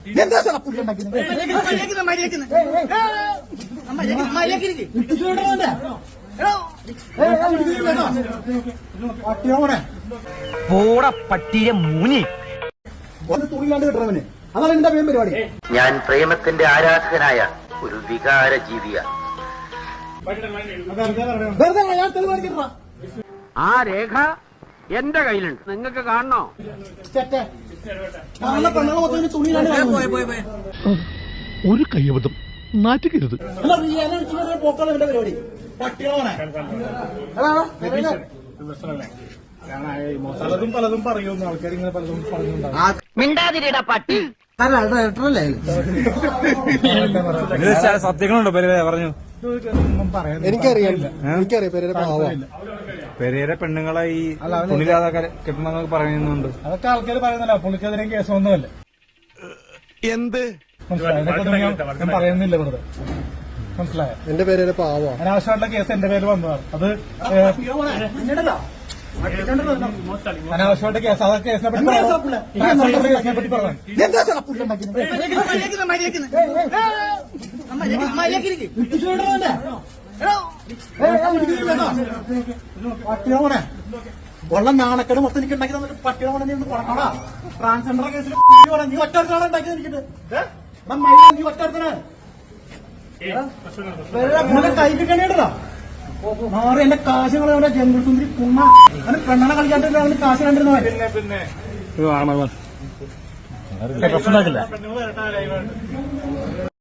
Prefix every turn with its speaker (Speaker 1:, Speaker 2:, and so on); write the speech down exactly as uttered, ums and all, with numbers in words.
Speaker 1: എന്താ പുല്ലുണ്ടാക്കുന്നത്
Speaker 2: പോട പട്ടിയെ മൂനി
Speaker 1: തുണിയിലാണ്ട് കിട്ടണവന്. അതാണ് എന്റെ പേരും പരിപാടി.
Speaker 2: ഞാൻ പ്രേമത്തിന്റെ ആരാധകനായ ഒരു വികാര ജീവിയാണ്.
Speaker 1: വെറുതെ ഞാൻ തെളിവ് കാണിക്കട്ടാ.
Speaker 2: ആ രേഖ എന്റെ കയ്യിലുണ്ട്, നിങ്ങൾക്ക് കാണണോ?
Speaker 1: പെണ്ണുങ്ങൾ മൊത്തം തുണിയിലാണ്
Speaker 3: ഒരു കയ്യബദ്ധം നാറ്റുകരുത്.
Speaker 1: പോക്കാണ് എന്റെ പരിപാടി. പട്ടികളാണ് പലതും പലതും പറയുന്നു ആൾക്കാർ, ഇങ്ങനെ പലതും പറയുന്നുണ്ടാവും.
Speaker 2: മിണ്ടാതിരിടാ പട്ടി.
Speaker 4: സത്യങ്ങളുണ്ടോ പെരേര പറഞ്ഞു?
Speaker 1: എനിക്കറിയില്ല, എനിക്കറിയാം പെരേര പാവം.
Speaker 4: പെരേര പെണ്ണുങ്ങളെ ഈ തുണിലാതെ കെട്ടണമെന്നൊക്കെ പറയുന്നുണ്ട്.
Speaker 1: അതൊക്കെ ആൾക്കാർ പറയുന്നില്ല. പുള്ളിക്കെതിരെ കേസൊന്നുമല്ല.
Speaker 3: എന്ത്
Speaker 1: ഞാൻ പറയുന്നില്ല വെറുതെ, മനസ്സിലായോ? എന്റെ പേര് പാവ. അനാവശ്യമായിട്ടുള്ള കേസ് എന്റെ പേര് വന്നതാണ്. അത് അനാവശ്യമായിട്ട് കേസ്. അതൊക്കെ കേസിനെ പറ്റി കേസിനെ പറ്റി പറഞ്ഞു. പട്ടിയോനെ ഉള്ള നാണക്കേട് മൊത്തം എനിക്ക് ഉണ്ടാക്കി തന്നിട്ട് പട്ടിയോനെ നീ ഒന്ന് കൊടുക്കണോടാ. ട്രാൻസ്ജെൻഡർ കേസിൽ നീ ഒറ്റ ഉണ്ടാക്കിയത് എനിക്കിട്ട് നീ ഒറ്റ കൈ കിട്ടണേടാ. മാറി എന്റെ കാശ് കളയാ ജംഗിൾ സുന്ദരി പുണ്ണ. അവന് പെണ്ണനെ കളിക്കാട്ടില്ല, അവന് കാശ് കണ്ടിരുന്ന പിന്നെ
Speaker 4: പിന്നെ